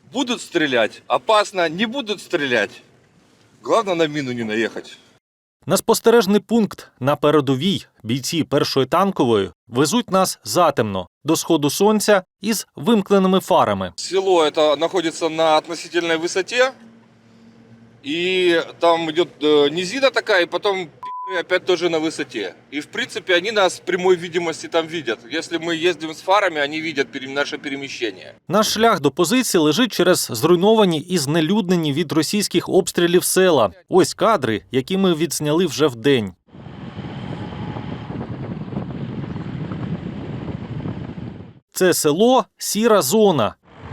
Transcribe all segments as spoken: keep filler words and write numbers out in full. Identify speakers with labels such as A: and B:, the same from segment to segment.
A: Будут стрелять, опасно, не будут стрелять. Главное на мину не наехать.
B: На спостережний пункт на передовій бійці першої танкової везуть нас затемно, до сходу сонця із вимкненими фарами.
A: Село это находится на относительной высоте. И там идет э, низина такая, и потом пи***ы опять тоже на высоте. И в принципе они нас в прямой видимости там видят. Если мы ездим с фарами, они видят пере- наше перемещение.
B: Наш шлях до позиції лежить через зруйновані і знелюднені від російських обстрілів села. Ось кадри, які ми відзняли вже вдень. Це село – сіра зона.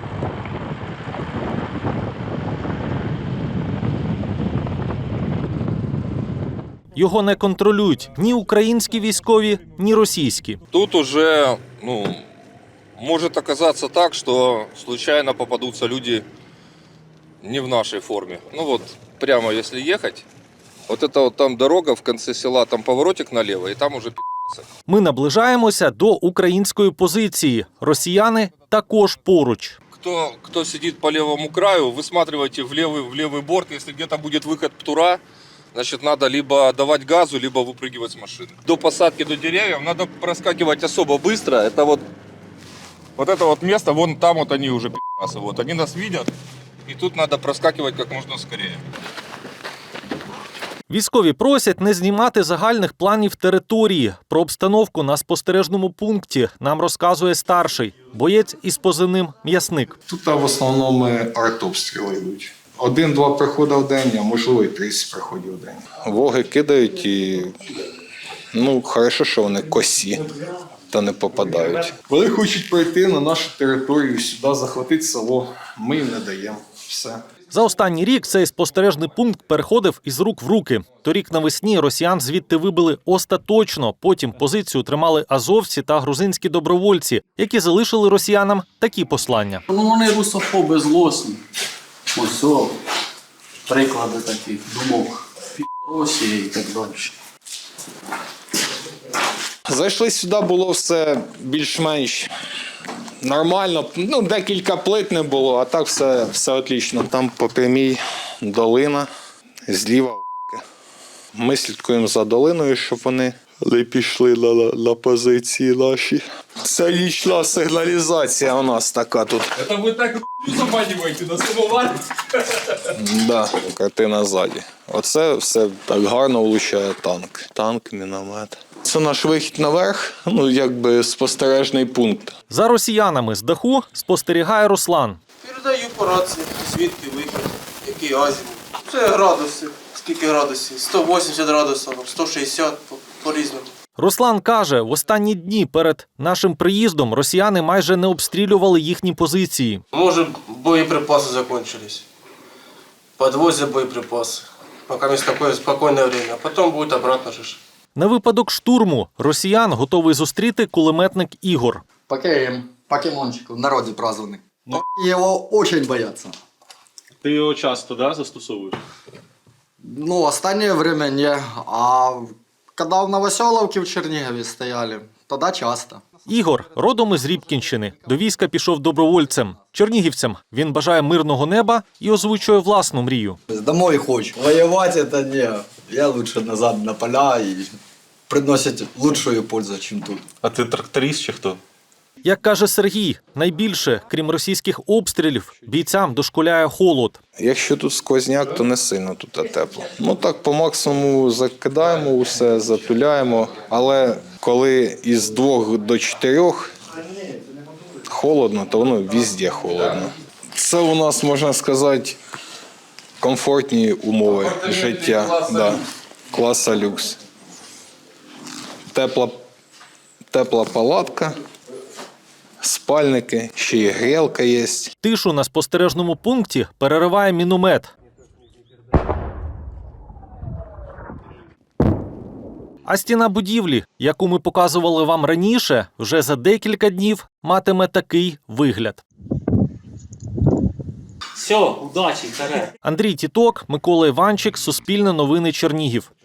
B: Його не контролюють ні українські військові, ні російські.
A: Тут уже, ну, может оказаться так, что случайно попадутся люди не в нашей форме. Ну вот, прямо если ехать, вот это вот там дорога в конце села, там поворотик налево, и там уже пи***цы.
B: Ми наближаємося до української позиції. Росіяни також поруч.
A: Кто, кто сидит по левому краю, высматривайте в левый, в левый борт. Если где-то будет выход птура, значит, надо либо давать газу, либо выпрыгивать с машины. До посадки, до деревьев надо проскакивать особо быстро. Это вот, вот это вот место, вон там вот они уже пи***сы. Вот, они нас видят, и тут надо проскакивать как можно скорее.
B: Військові просять не знімати загальних планів території. Про обстановку на спостережному пункті нам розказує старший, боєць із позивним «М'ясник».
C: Тут в основному артобстріли йдуть. Один-два приходи в день, а можливо і тридцять приходів в день. Воги кидають і, ну, хорошо, що вони косі та не попадають. Вони хочуть прийти на нашу територію, сюди захватити село. Ми їм не даємо. Все.
B: За останній рік цей спостережний пункт переходив із рук в руки. Торік навесні росіян звідти вибили остаточно. Потім позицію тримали азовці та грузинські добровольці, які залишили росіянам такі послання.
D: Ну вони русофоби злосні. Ось о, приклади таких думок. Росії і так далі.
C: Зайшли сюди, було все більш-менш нормально. Ну, декілька плит не було, а так все, все отлично. Там по прямій долина, зліва. Ми слідкуємо за долиною, щоб вони не пішли на, на позиції наші. Це нічна сигналізація у нас така тут.
A: Это вы так заманиваете на самовар?
C: Да, картина ззаді. Оце все так гарно влучає танк. Танк, міномет. Це наш вихід наверх, ну, якби спостережний пункт.
B: За росіянами з даху спостерігає Руслан.
E: Передаю по рації, звідки вихід, який азімут. Це градуси, скільки градусів, сто вісімдесят градусів, сто шістдесят, по- по-різному.
B: Руслан каже, в останні дні перед нашим приїздом росіяни майже не обстрілювали їхні позиції.
E: Може, боєприпаси закінчились. Подвозять боєприпаси, поки ми таке спокійне время, а потім буде обратно ж.
B: На випадок штурму росіян готовий зустріти кулеметник Ігор.
F: Покерим, покемончик в народе прозванный. Но его очень боятся.
G: Ти його часто, да, застосовуєш?
F: Ну, останнее время не. А когда в Новоселовке в Чернигове стояли, тогда часто.
B: Ігор родом із Рібкінщини. До війська пішов добровольцем. Чернігівцям він бажає мирного неба і озвучує власну мрію.
F: Домой хочу. Воевать это не. Я лучше назад на поля и приносит лучшую пользу, чем тут.
G: А ти тракторист чи хто?
B: Як каже Сергій, найбільше, крім російських обстрілів, бійцям дошкуляє холод.
C: Якщо тут сквозняк, то не сильно тут тепло. Ну так по максимуму закидаємо усе, затуляємо, але коли із двох до чотирьох холодно, то воно везде холодно. Це у нас, можна сказати, комфортні умови життя, да. Класа люкс. Тепла, тепла палатка. Спальники, ще й грілка є.
B: Тишу на спостережному пункті перериває міномет. А стіна будівлі, яку ми показували вам раніше, вже за декілька днів матиме такий вигляд.
D: Все, удачі, вперед.
B: Андрій Тіток, Микола Іванчик, Суспільне новини Чернігів.